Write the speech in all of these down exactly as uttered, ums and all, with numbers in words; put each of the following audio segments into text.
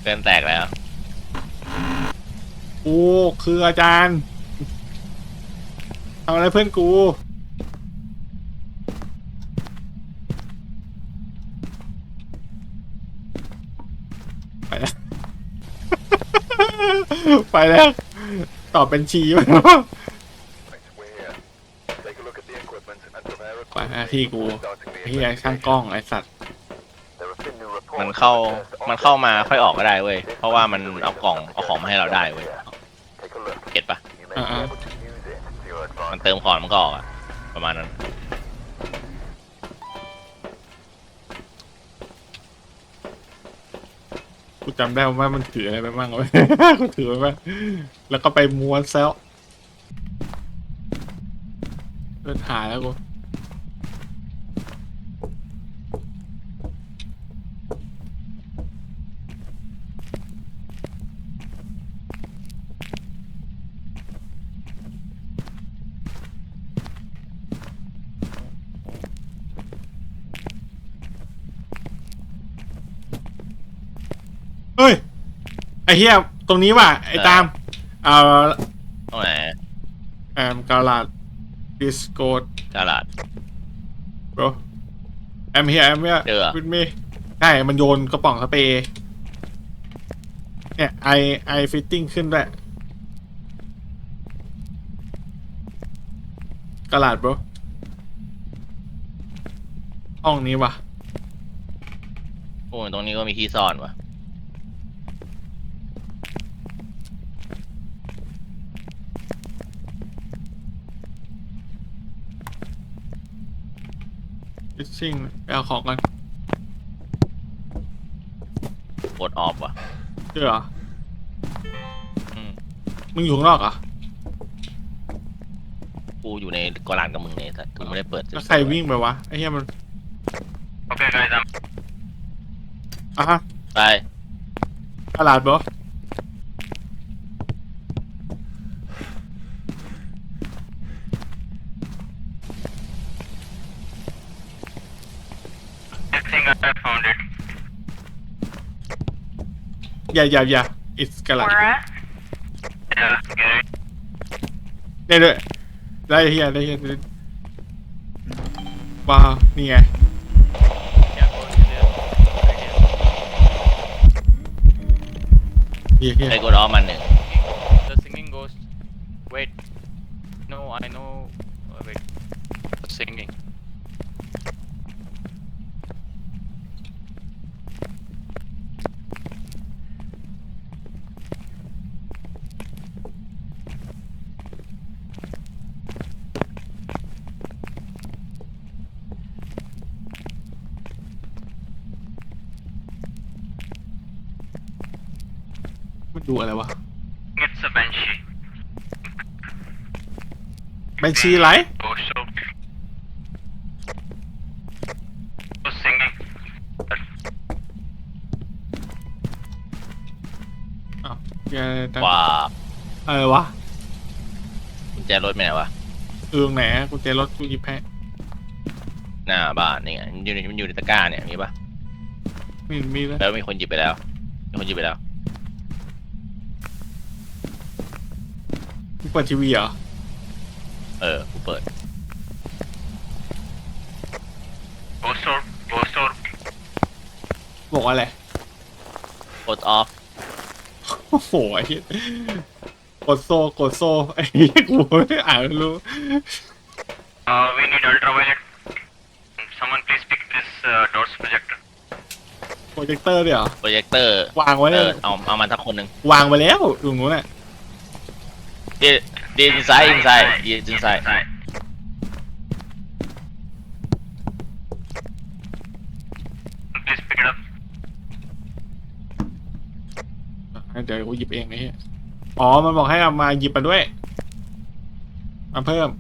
เพื่อนแตกแล้วกูคืออาจารย์ทำอะไรเพื่อนกูไปแล้ว ไปแล้วตอบเป็นชีไปไปหน้าที่กูที่ไอ้ช่างกล้องไอ้สัตว์มันเข้ามันเข้ามาค่อยออกก็ได้เว้ยเพราะว่ามันเอากล่องเอาของมาให้เราได้เว้ยเก็ตปะอ่ามันเติมของมันก็ออกอะประมาณนั้นกูจำได้ว่ามันถืออะไรไปบ้างวะ กูถือไปบ้างแล้วก็ไปม้วนเซลเดินหายแล้วกูเฮ้ยไอ้เหี้ยตรงนี้ว่ะไอ้ตามเอ่อตรงไหนแอมกาลาดดิสโกดกาลาด bro I'm here I'm here เจอ with me ใช่มันโยนกระป๋องสเปรย์เนี่ยไอไอฟิตติ้งขึ้นด้วยกาลาด bro ห้องนี้ว่ะโอ้ยตรงนี้ก็มีที่ซ่อนว่ะฟิชชิ่งไปเอาของกันกดออฟว่ะเจอเหรออืมมึงอยู่ข้างนอกเหรอ่ะกูอยู่ในกอลานกับมึงเนี่ยแต่กูไม่ได้เปิดแล้วใครวิ่งไปวะไอ้เหี้ยมันโอเคไงจอ่ะฮะำไปกาลาด bro I think I found it. อย่าอย่าอย่า it's กาลาด Where at? Yeah, get it. ได้ด้วยได้เฮียได้เฮียได้ว้านี่ไง Yeah, go to there. Right here. เฮียเฮียไปกดออฟมันหนึ่ง The singing ghost. Wait. No, I know. Uh, wait. The singing. มันดูอะไรวะ It's a banshee. บัญชีไร Ghost of. The singing. อ้าวเฮียตั้งว้าอะไรวะกุญแจรถไปไหนวะเออไหนกูเจรถกูหยิบแพ้หน้าบ้านนี่ไงมันอยู่ในมันอยู่ในตะกร้าเนี่ยมีปะไม่เห็นมีเลยแล้วมีคนหยิบไปแล้วมีคนหยิบไปแล้วมึงเปิดทีวีเหรอเออกูเปิด Ghost orb. Ghost orb. บอกว่าอะไรกดออฟโอ้โหไอ้เหี้ยกดโซ่กดโซ่ไอ้เหี้ยกูไม่อ่านไม่รู้ Uh, we need ultraviolet. Someone please pick this uh, doors projector. โปรเจคเตอร์เนี่ยเหรอโปรเจคเตอร์วางไว้เอเลยอเอาเอามันสักคนหนึ่งวางไปแล้วตรงนู้นน่ะเดเดนไซด์อินไซด์เดนไซด์ Inside. Please pick it up. เดี๋ยวกูหยิบเองไอ้เหี้ยอ๋อมันบอกให้เอามาหยิบมาด้วยมาเพิ่ม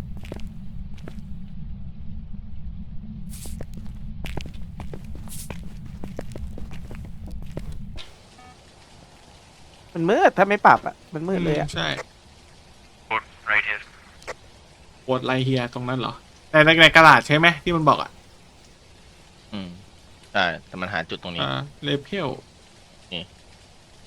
มันมืดถ้าไม่ปรับอ่ะมันมืดเลยอ่ะใช่ Put right here. ปวดไรเฮียตรงนั้นเหรอแต่ในในกระดาษใช่ไหมที่มันบอกอ่ะอืมใช่แต่มันหาจุดตรงนี้อ่าเลเพลนี่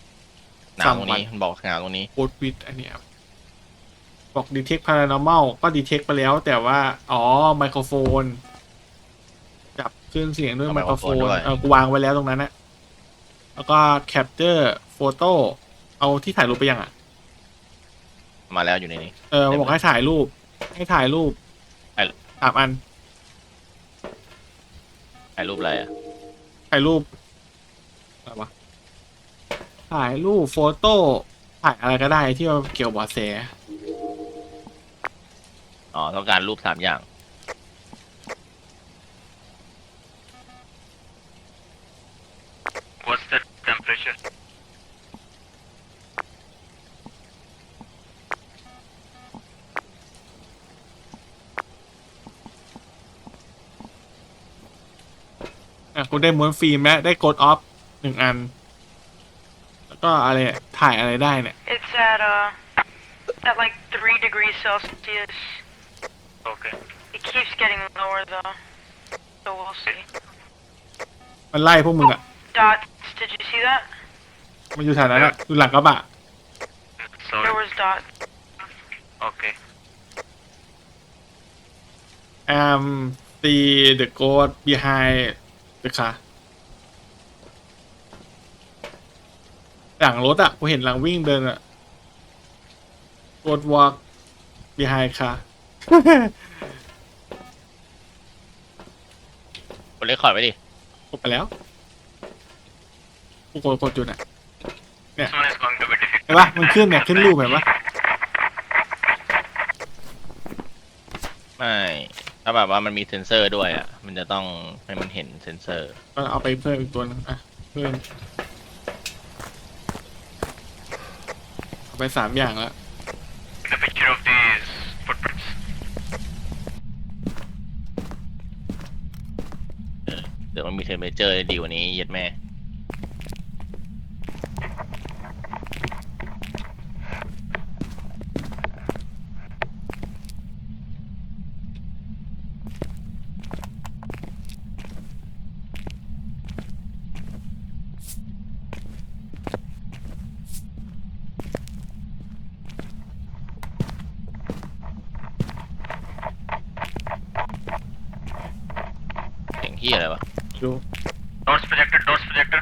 หนาวตรงนี้มันบอกหนาวตรงนี้โคดวิดอันเนี้ยบอก detect paranormal ก็ detect ไปแล้วแต่ว่า อ๋อไมโครโฟน จับขึ้นเสียงด้วยเอาไมโครโฟนไมโครโฟนด้วยเออกูวางไว้แล้วตรงนั้นนะแล้วก็ capture photo เอาที่ถ่ายรูปไปยังอ่ะมาแล้วอยู่ในนี้เออมันบอกให้ถ่ายรูป ให้ถ่ายรูปถ่ายสามอันถ่ายรูปอะไรอ่ะถ่ายรูปอะไรวะถ่ายรูปโฟโต้ถ่ายอะไรก็ได้ที่เกี่ยวกับเบาะแสอ๋อต้องการรูปสามอย่าง What's the temperature? อ่ะกูได้ม้วนฟิล์มแล้วได้กดออฟหนึ่งอัน แล้วก็อะไรอ่ะถ่ายอะไรได้เนี่ย It's at uh at like three degrees Celsius. Okay. It keeps getting lower though, so we'll see. มันไล่พวกมึงอ่ะ Dots. Did you see that? มันอยู่แถวนั้นอ่ะอยู่หลังกระบะ Sorry. There was dots. Okay. am see the ghost behind the car หลังรถอ่ะกูเห็นหลังวิ่งเดินอ่ะ ghost walk behind car กดเลคคอร์ดไว้ดิกดไปแล้วกูกดกดจุดอ่ะ This one is going to be เห็น difficult. ปะมันขึ้นเนี่ยขึ้นรูปเห็นปะไม่ถ้าแบบว่ามันมีเซ็นเซอร์ด้วยอ่ะมันจะต้องให้มันเห็นเซ็นเซอร์ก็เอาไปเพิ่มอีกตัวนึงอ่ะเพิ่มเอาไปสามอย่างแล้ว The picture of these footprints. เดี๋ยวมันมีเทมเพอเจอร์ดีกว่านี้เย็ดแม่ เสียงที่อะไรวะดู Dots projector. Dots projector.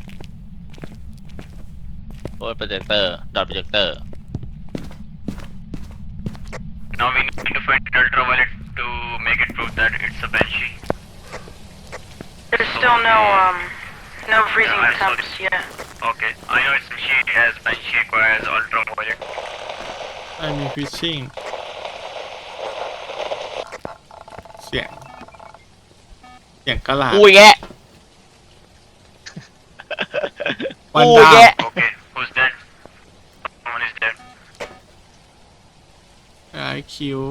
โอ้ยโปรเจคเตอร์ดอทโปรเจคเตอร์ Now we need to find ultraviolet to make it prove that it's a banshee. There's still no um no freezing Yeah, I saw temps yet. Okay. I know it's banshee as banshee requires ultraviolet. ไม่มีฟิชชิ่งเสียงเสียงกระหลาดอุ้ยแกะวันอุ้ยดาวแกะ Okay. Who's dead? Someone is dead. ไอคิว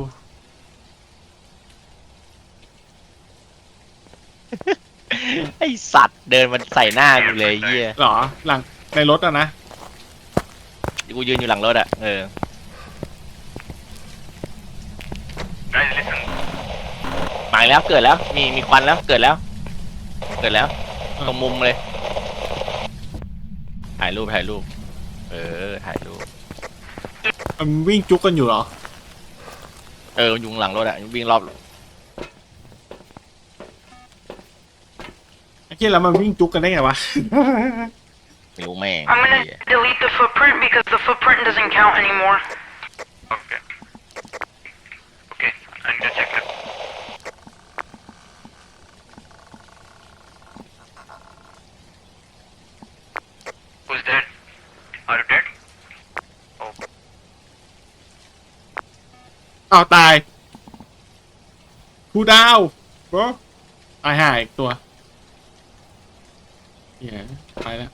ไอสัตว์เดินมันใส่หน้ากูเลยเหี้ยหรอหลังในรถอะนะกูยืนอยู่หลังรถอ่ะเออ Guys, listen. มาอีกแล้วเกิดแล้วมีมีควันแล้วเกิดแล้ว เกิดแล้วตรงมุมเลยถ่ายรูปถ่ายรูป เออถ่ายรูปมันวิ่งจุกกันอยู่เหรอเออยุงหลังรถอ่ะวิ่งรอบไอ้เหี้ยแล้วมันวิ่งจุกกันได้ไงวะไม่รู้แม่ง I'm gonna delete the footprint because the footprint doesn't count anymore. Okay. Okay. I need to check it. Who's dead? Are you dead? Oh. เอาตายผู้ดาวบรตายหายอีกตัวเหี้ยไปแล้ว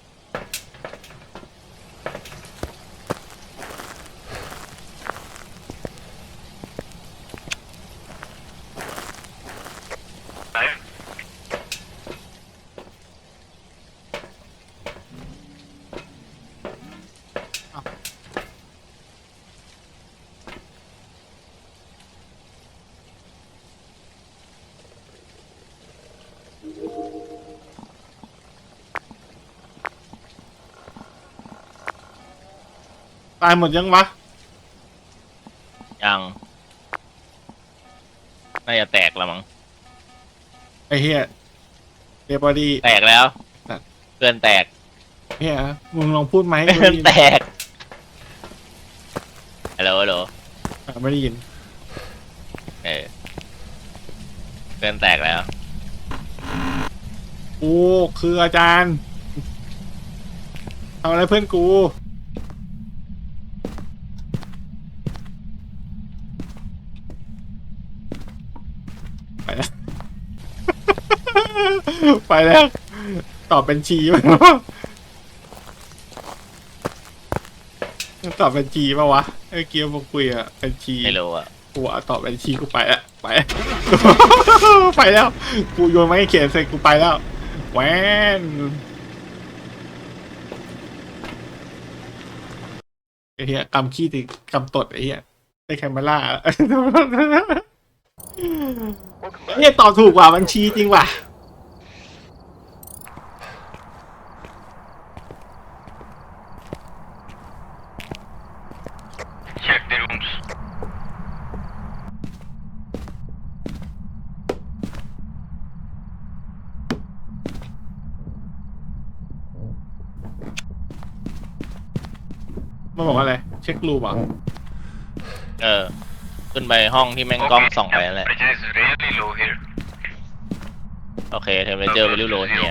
Five. ตายหมดยังวะยังน่าจะแตกแล้วมั้งไอ้เหี้ยเดบอดี้แตกแล้วครับเพื่อนแตกเหี้ยมึงลองพูดไหมเพื่อนแตกฮัลโหลฮัลโหลอ่ะไม่ได้ยินเออเพื่อนแตกแล้วกูคืออาจารย์ทำอะไรเพื่อนกูไปแล้ว ไปแล้ว ตอบเป็นชีป่ะ ตอบเป็นชีป่ะวะไอ้เกียวบอกคุยอะเป็นชีไม่รู้อ่ะกูอะตอบเป็นชีกูไปแล้วไป ไปแล้ว กูโยนไม้เขียนเสร็จกูไปแล้วแหวนไอ้เหี้ยกำขี้ติกำตดไอ้เหี้ยได้แคมเมล่า ไอ้เหี้ยตอบถูกว่ะบัญชีจริงว่ะ Check the rooms. มันบอกว่าอะไร เช็ครูมอ่ะเออ ขึ้นไปห้องที่แม่งกล้องส่องไปนั่นแหละ Temperature is really low here. โอเคเทมเพอเจอร์ไปริ้วโลเฮีย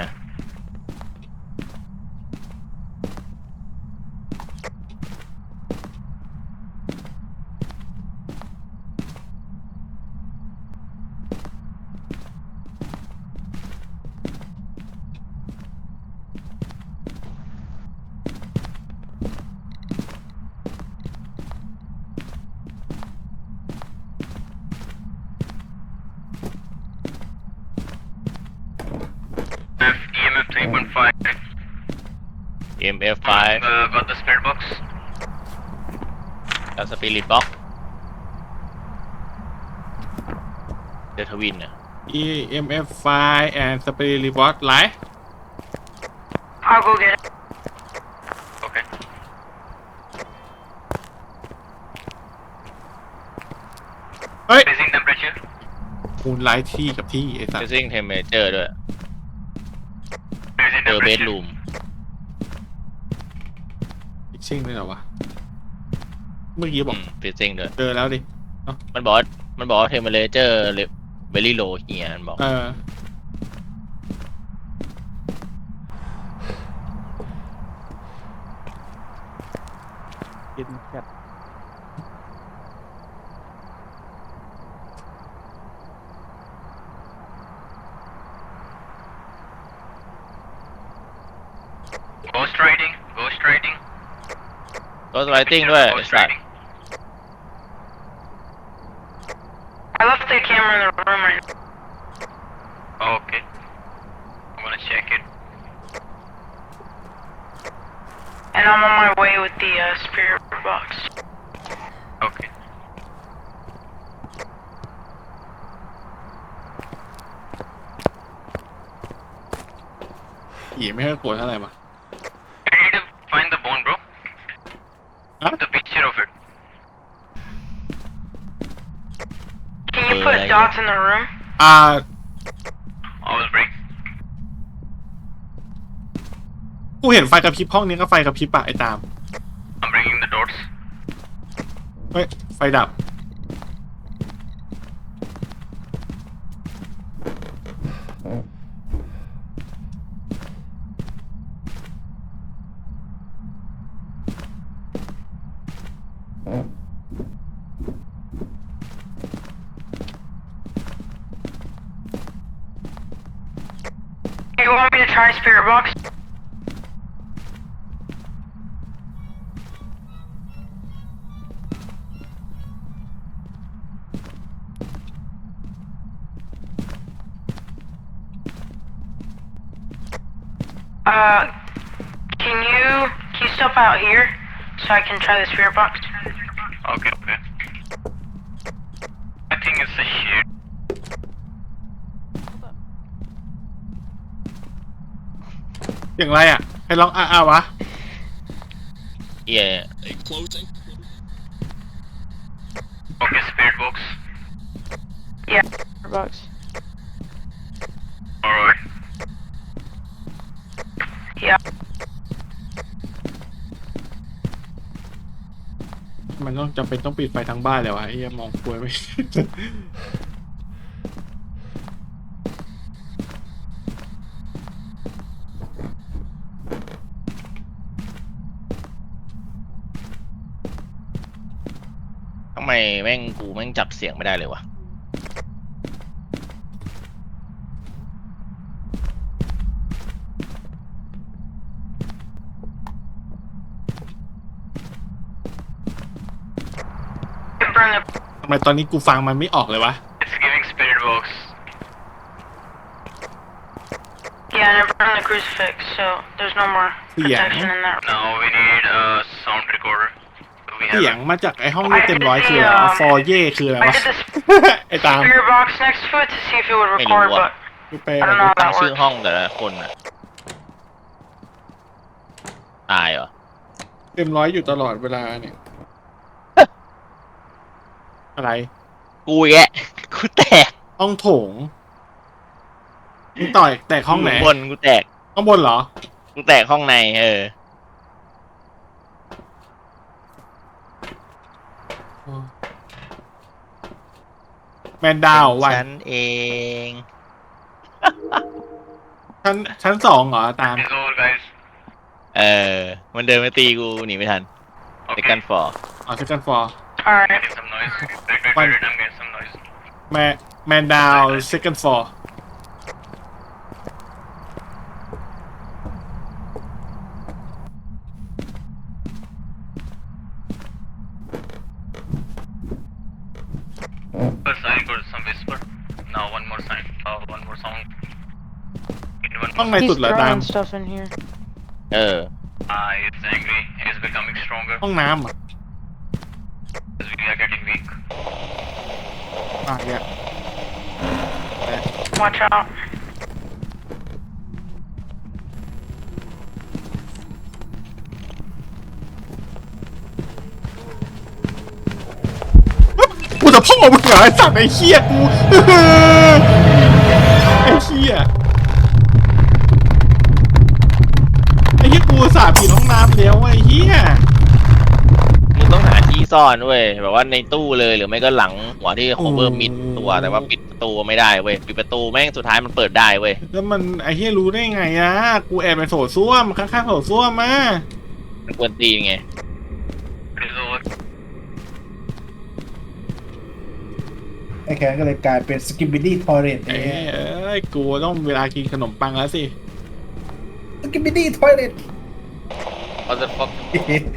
E M F three point five. เอ็ม เอฟ ไฟว์ Uh, got the spirit box. กับสปิริตบ็อกเดทวินอ่ะ E M F file and spirit report ไลฟ์ I'll go get it. Okay. เฮ้ย Raising temperature. มูลไลฟ์ที่กับที่ไอ้สัสเฟซิ่งเทมเพอเจอร์ด้วย Raising เจอเบด temperature. รูมฟิชชิ่งด้วยเหรอวะ เมื่อกี้บอกเฟซิ่งด้วยเจอแล้วดิมันบอกว่ามันบอกว่าเทมเพอเจอร์เบลลี่โลเฮียมันบอกเออกินจัด Ghost riding. Ghost riding. ก็สไลติ้งด้วยไอ้ Ghost สัตว์ riding. I left the camera in the room right now. Okay. I'm gonna check it. And I'm on my way with the uh, spirit box. Okay. ผีไม่ค่อยกลัวเท่าไหร่ปะ I need to find the bone, bro. Huh? The picture of it. Can you Uh, put like- dots in the room? อ่า I will bring. กูเห็นไฟกระพริบห้องนี้ก็ไฟกระพริบปะไอ้ตาม I'm bringing the dots. เฮ้ย ไฟดับ You want me to try spirit box? Uh, can you can you step out here so I can try the spirit box? Okay, okay. I think it's a shit. อย่างไรอ่ะ ให้ลองอ้าอ้าวะเหี้ย Okay, spirit box. Box. Alright. Yeah. มันต้องจำเป็นต้องปิดไฟทั้งบ้านเลยวะไอ้เหี้ยมองกลัวไม่ทำไมแม่งกูแม่งจับเสียงไม่ได้เลยวะ Burn the. ทำไมตอนนี้กูฟังมันไม่ออกเลยวะ It's giving spirit box. Yeah, and I burned the crucifix, so there's no more Yeah. protection in that. Now we need a sound recorder. Do we เสียง have มาจากไอ้ห้องนี้เต็มร้อยคืออะไรวะฟอร์เย่คืออะไร I วะ did this ไอ้ตาม spirit box next to it to see if it would record, Maybe what? but กูไป I don't know how ตั้ง that ชื่อ works. ห้องแต่ละคนอะตายเหรอเต็มร้อยอยู่ตลอดเวลาเนี่ย อะไรกูแยะ กูแตกห้องโถงมึงต่อยแตกห้องไหนยู่บนกูแตกห้องบนเหรอกูแตกห้องในเออแมนดาววันฉันเองชั้นชั้นสองเหรอตาม It's over, guys? เออ มันเดินมาตีกูหนีไม่ทันเด็ก Okay. กันฟอร์อ๋อชั้นกันฟอร์ Alright. Getting some noise. Wait, wait, One. wait, wait, I'm getting some noise. แมแมนดาว second floor First sign got some whisper. Now one more sign. Uh, one more sound. In one ห้อง more. ในสุดเหรอตาม stuff in here. เออ Ah, he's angry. He's becoming stronger ห้องน้ำอ่ะ as we are getting weak. อ่ะเนี่ย Watch out. กูจะพ่อมึงเหรอไอ้สัตว์ไอ้เหี้ยกู ไอ้เหี้ยไอ้เหี้ยกูอุตสาห์ปิดห้องน้ำแล้วไอ้เหี้ยมึงต้องหาที่ซ่อนเว้ยแบบว่าในตู้เลยหรือไม่ก็หลังหัวที่โคเวอร์มิดตัวแต่ว่าปิดประตูไม่ได้เว้ยปิดประตูแม่งสุดท้ายมันเปิดได้เว้ยแล้วมันไอ้เหี้ยรู้ได้ไงอะกูแอบไปโถส้วมข้างๆโถส้วมมามันกวนตีนไง It is over. ไอ้แคนก็เลยกลายเป็นสกิปบิดี้ทอร์เรตเอ้ยเอ้ยกูต้องเวลากินขนมปังแล้วสิสกิปบิดี้ทอร์เรต Motherfucker.